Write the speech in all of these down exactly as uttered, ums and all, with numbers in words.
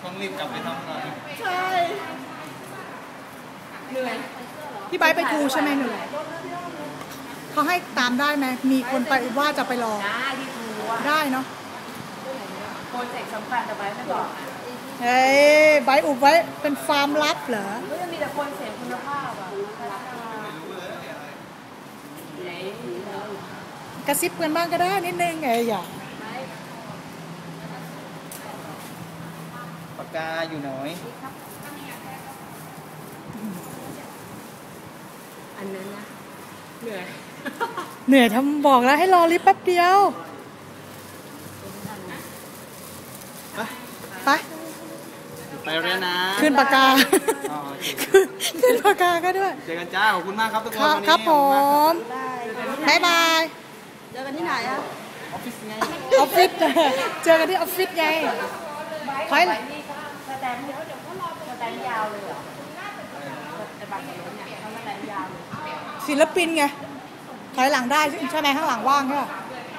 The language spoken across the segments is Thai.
ต้องรีบกลับไปทำงานใช่เหนื่อยพี่ไบร์ทไปครูใช่ไหมหนูเขาให้ตามได้ไหมมีคนไปว่าจะไปรอได้ที่ครูได้เนาะโปรเจกต์สำคัญแต่ไบร์ทไม่บอกเฮ้ยไบร์ทอุบไว้เป็นฟาร์มลับเหรอก็จะมีแต่คนเสียคุณภาพอ่ะกระซิบกันบ้างก็ได้นิดนึงไงอย่าปากกาอยู่หน่อยอันนั้นนะเหนื่อยเหนื่อยทำบอกแล้วให้รอลิฟต์แป๊บเดียวไปไปไปเรียนนะขึ้นปากกาขึ้นปากกาก็ด้วยเจอกันจ้าขอบคุณมากครับทุกคนวันนี้ครับผมบ๊ายบายเจอกันที่ไหนอะออฟฟิศไงออฟฟิศเจอกันที่ออฟฟิศไงถอยนี่สแตมป์สแตมป์ยาวเลยเหรอแต่บัตรรถเนี่ยเขาสแตมป์ยาวเลยศิลปินไงถอยหลังได้ใช่ไหมข้างหลังว่างใช่ไหม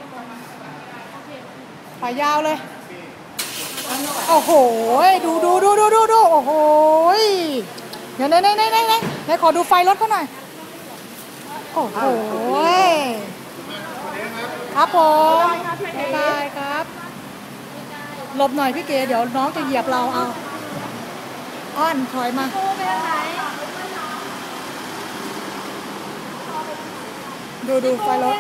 ถอยยาวเลยโอ้โหดูดูดูดูดูดูโอ้โหเดี๋ยวไหนไหนไหนไหนไหนไหนขอดูไฟรถเขาหน่อยโอ้โหครับผมบ๊ายบายครับหลบหน่อยพี่เก๋เดี๋ยวน้องจะเหยียบเราเอาอ้อนถอยมาดูดูไฟรถ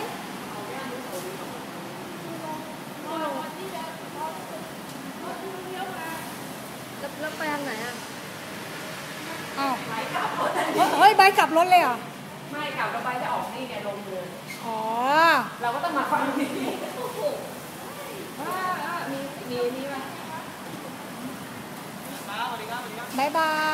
แล้วไปทางไหนอ่ะอ้าวเฮ้ยใบกลับรถเลยอ่ะไม่กลับแล้วใบจะออกนี่ไงลงเลยอ๋อเราก็ต้องมาฟังนี้ว่ามีมีนี่ไหมบ๊ายบาย